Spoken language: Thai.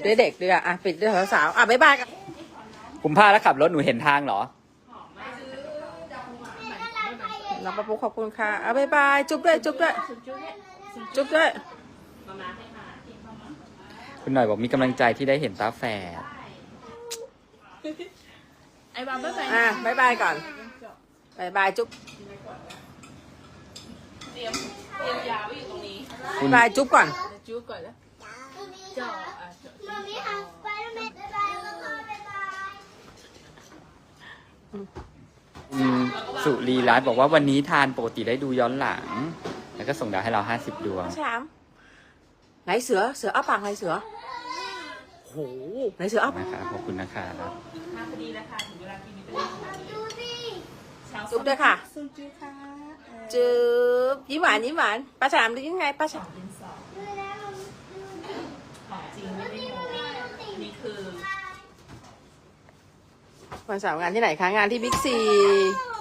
ด้วยเด็กด้วยอ่ะปิดด้วยสาวๆอ่ะบ๊ายบายกันผมพาแล้วขับรถหนูเห็นทางเหรอน้องปะปุ๊กขอบคุณค่ะอ่ะบ๊ายบายจุ๊บด้วยจุ๊บด้วยจุ๊บด้วยคุณหน่อยบอกมีกำลังใจที่ได้เห็นตาแฝดไอ้บางบ๊ายบายอ่ะบ๊ายบายก่อนบ๊ายบายจุ๊บเตรียมยาไว้อยู่ตรงนี้บ๊ายบายจุ๊บก่อนจูก่อนแล้วจ่ออ่ะจ่อมามีค่ะไปแล้วแม่บ๊ายบายแล้วก็บ๊ายบายคุณสุรีรัตน์บอกว่าวันนี้ทานปกติได้ดูย้อนหลัง แล้วก็ส่งดาวให้เรา50 ดวงชามไหนเสืออ้าปากไหนเสือโหไหนเสืออ้าปากนะครับขอบคุณนะครับมาพอดีแล้วค่ะถึงเวลากินวิตามินดูสิจุ๊บด้วยค่ะซุนจูค่ะจุ๊บยิ้มหวานยิ้มหวานป้าฉลามดูยังไงป้าฉลามดินสอดูแล้วของจริงไม่ได้โม้นี่คือวันเสาร์งานที่ไหนคะงานที่บิ๊กซีดู